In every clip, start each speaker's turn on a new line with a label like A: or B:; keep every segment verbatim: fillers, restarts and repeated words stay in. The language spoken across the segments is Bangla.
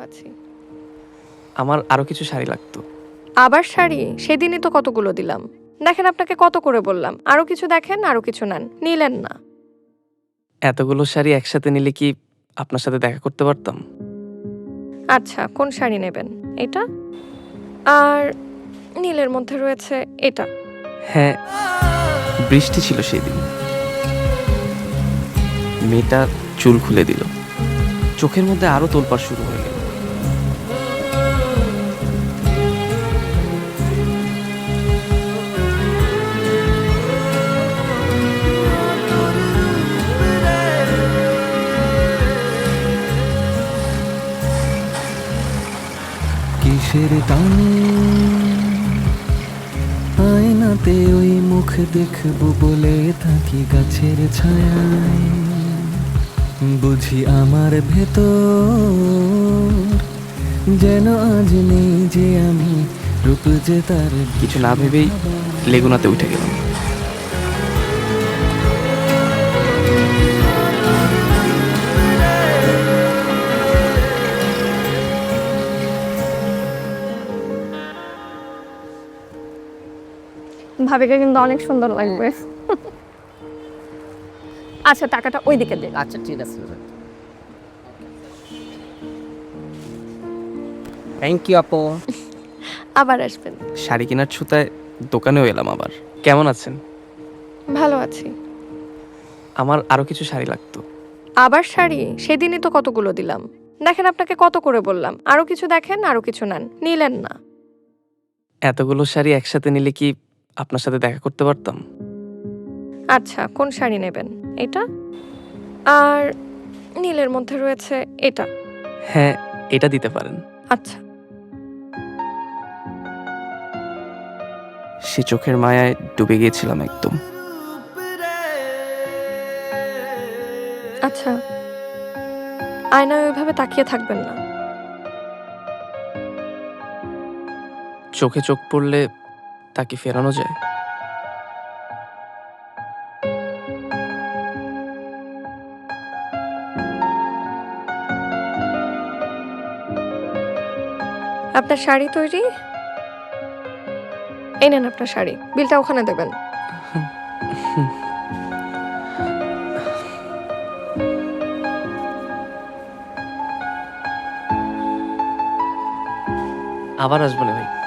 A: আছি।
B: আমার আরো কিছু শাড়ি লাগতো।
A: আবার শাড়ি? সেদিনই তো কতগুলো দিলাম। দেখেন আপনাকে কত করে বললাম, আরো কিছু দেখেন, আরো কিছু নেন, নিলেন না।
B: এতগুলো শাড়ি একসাথে নিলে কি আপনার সাথে দেখা করতে পারতাম?
A: আচ্ছা, কোন শাড়ি নেবেন? এটা? আর নীলের মধ্যে রয়েছে এটা।
B: হ্যাঁ, বৃষ্টি ছিল সেই দিন। মেয়েটা চুল খুলে দিল, চোখের মধ্যে আরো তোলপাড় শুরু হয়ে গেল।
C: কিসের টানে আয়নাতে ওই মুখ দেখবো বলে থাকি গাছের ছায়ায়, বুঝি আমার ভেতর যেন আজ নেই যে আমি, রূপ যে তার
B: কিছু না ভেবেই লেগুনাতে উঠে গেলাম।
A: ভাবিকে কিন্তু অনেক সুন্দর লাগবে। আচ্ছা, টাকাটা ওইদিকে দিন।
D: আচ্ছা ঠিক আছে, থ্যাংক ইউ আপু।
A: আবার আসবেন।
B: শাড়ি কেনার ছুতায় দোকানেও এলাম আবার। কেমন আছেন?
A: ভালো আছি।
B: আমার আরো কিছু শাড়ি লাগতো।
A: আবার শাড়ি? সেদিনই তো কতগুলো দিলাম। দেখেন আপনাকে কত করে বললাম, আরো কিছু দেখেন, আরো কিছু নেন, নিলেন না।
B: এতগুলো শাড়ি একসাথে নিলে কি আপনার সাথে দেখা করতে পারতাম?
A: আচ্ছা, কোন শাড়ি নেবেন? এটা? আর নীলের মধ্যে রয়েছে এটা।
B: হ্যাঁ, এটা দিতে পারেন।
A: আচ্ছা।
B: সে চোখের মায়ায় ডুবে গিয়েছিলাম একদম।
A: আচ্ছা, আয়নায় ওইভাবে তাকিয়ে থাকবেন না।
B: চোখে চোখ পড়লে তা কি ফেরানো যায়?
A: আপনার শাড়ি তৈরি? এই নেন আপনার শাড়ি, বিলটা ওখানে দেবেন।
B: আবার আসবো না ভাই।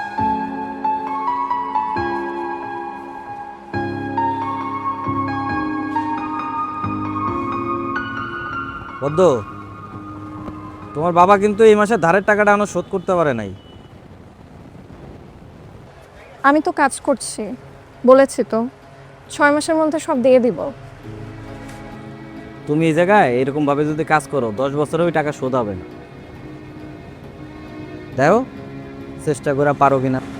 E: বদ্দ, তোমার বাবা কিন্তু এই মাসে ধারের টাকাটা এখনো শোধ করতে পারে নাই।
A: আমি তো কাজ করছি, বলেছি তো ছয় মাসের মধ্যে সব দিয়ে দিব।
E: তুমি এই জায়গায় এরকম ভাবে যদি কাজ করো, দশ বছরে ওই টাকা শোধ হবে না। দেখো চেষ্টা করে পারো কিনা।